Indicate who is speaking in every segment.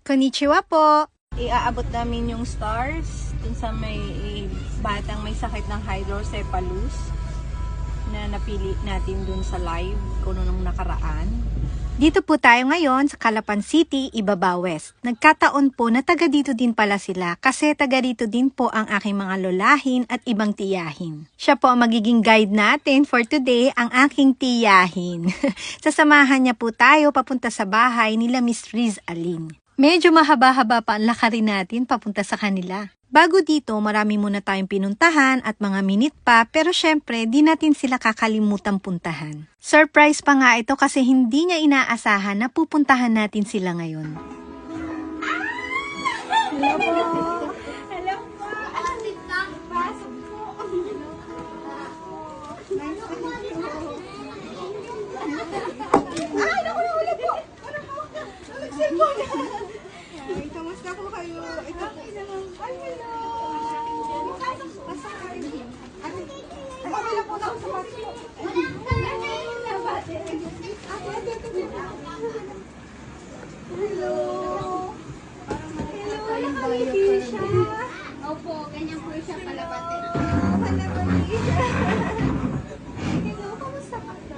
Speaker 1: Konnichiwa po! Iaabot namin yung stars dun sa may batang may sakit ng hydrocephalus na napili natin dun sa live kuno nung nakaraan. Dito po tayo ngayon sa Calapan City, Ibaba West. Nagkataon po na taga dito din pala sila kasi taga dito din po ang aking mga lolahin at ibang tiyahin. Siya po ang magiging guide natin for today, ang aking tiyahin. Sasamahan niya po tayo papunta sa bahay nila Miss Riz Aline. Medyo mahaba-haba pa ang lakarin natin papunta sa kanila. Bago dito, marami muna tayong pinuntahan at mga minute pa, pero syempre, di natin sila kakalimutan puntahan. Surprise pa nga ito kasi hindi niya inaasahan na pupuntahan natin sila ngayon.
Speaker 2: Hello po! Hello po! Pasok po! Nice to meet you. Ay, naku po! Nag-cellphone! Ay, kamusta po kayo? Ito po. Ay, hello! Pasok kayo. Ay, wala po na ako sa pasok. Hello! Hello, nakangiti siya.
Speaker 3: Opo, ganyan po siya palabatin.
Speaker 2: Palabati siya. Hello, kamusta ka na?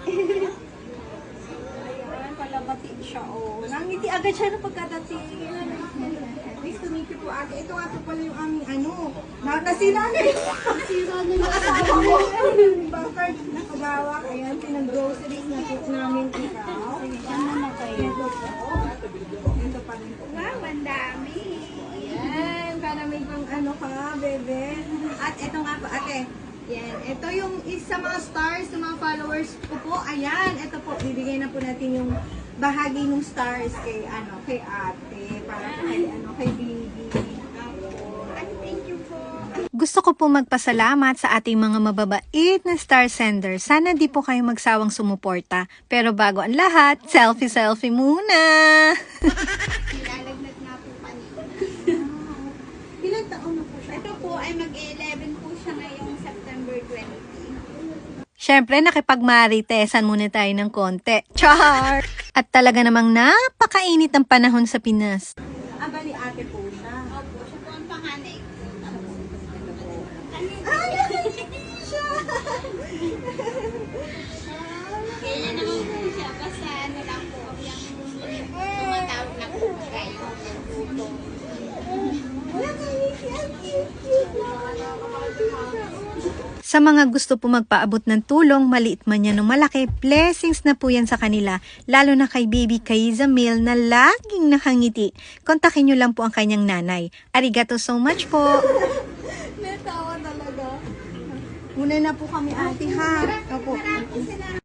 Speaker 2: Ayan, palabati siya, oh. Nangiti agad siya na pagkadating. Nice to meet you po, ate. Ito nga po pala yung aming nasira na yun. Nasira na yung asawa ko. Bakit nakagawak? Ayan, pinag-groceries na po namin ikaw. Ano na kayo? Ito pa rin po.
Speaker 3: Wow, ang dami.
Speaker 2: Ayan, para may pang ka, bebe. At ito nga po, ate. Yan, ito yung isa mga stars ng mga followers ko po. Ayan, ito po, bibigay na po natin yung bahagi ng stars kay ate, para kay baby.
Speaker 3: Thank you po.
Speaker 1: Gusto ko po magpasalamat sa ating mga mababait na star sender. Sana di po kayo magsawang sumuporta. Pero bago ang lahat, selfie muna!
Speaker 3: Nilalagnat na po kanina.
Speaker 2: Ilang taon na po siya?
Speaker 3: Ito po ay mag-11 po siya ngayong September 20.
Speaker 1: Syempre, nakipagmaritesan muna tayo ng konti. Char! At talaga namang napakainit ang panahon sa Pinas.
Speaker 2: Bali ate po siya.
Speaker 3: Opo, siya po ang panganay ko.
Speaker 2: Ay, siya!
Speaker 3: Kaya naman po siya, basta ano lang po, yung tumatawag na po kayo.
Speaker 2: Wala kayo, cute.
Speaker 1: Sa mga gusto po magpaabot ng tulong, maliit man yan o malaki, blessings na po yan sa kanila, lalo na kay baby Kaiza Mil na laging nakangiti. Kontakin nyo lang po ang kanyang nanay. Arigato so much po!
Speaker 2: Natawa talaga. Muna na po kami ate ha. Opo.